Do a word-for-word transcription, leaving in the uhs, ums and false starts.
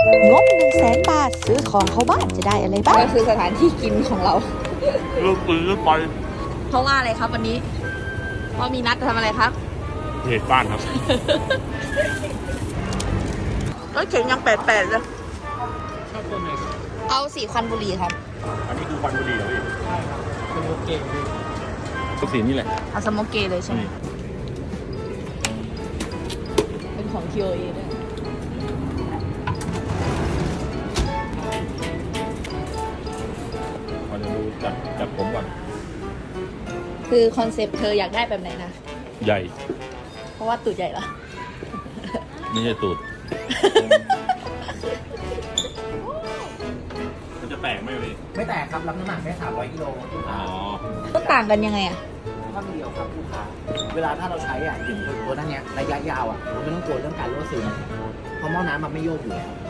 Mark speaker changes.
Speaker 1: งบหนึ่งแสนบาทซื้อของเข้าบ้านจะได้อะไรบ้าง
Speaker 2: ก็คือสถานที่กินของเรา
Speaker 3: เริ่มปืนเริ่มไป
Speaker 2: เพราะว่าอะไรครับวันนี้เพราะมีนัดจะทำอะไรครับ
Speaker 3: เหตุบ้านครับ
Speaker 2: รถเข็นยังแปดแปดเลย
Speaker 3: ชอบต้นไหน
Speaker 2: เอาสีควันบุหรี่ครับ
Speaker 3: อันนี้คือควันบุหรี่เหรอพี่ใช่ครับเป็นโอเคก็สีนี่แหละ
Speaker 2: เอาสโมกเกเลยใช่ไหมเป็นของ ที โอ เอ ด้วย
Speaker 3: ขอจะดูจัดจัดผมก่อน
Speaker 2: คือคอนเซปต์เธออยากได้แบบไหนนะ
Speaker 3: ใหญ่
Speaker 2: เพราะว่าตูดใหญ่เหรอ
Speaker 3: ไม่ใช่ตูด มันจะแตกไหมพี่
Speaker 4: ไม่แตกครับรับน้ำหนักได้สามร้อยกิโลลูก
Speaker 3: อ๋
Speaker 4: ค้า
Speaker 3: อ
Speaker 2: ก็ต่างกันยังไงอะ
Speaker 4: ข้อเดียวครับลูกค้าเวลาถ้าเราใช้อ่ะอย่างตัวนั้นเนี้ยระยะยาวอ่ะเราไม่ต้องกลัวเรื่องการรั่วซึมเพราะหม้อน้ำมันไม่โยกอยู่แล้ว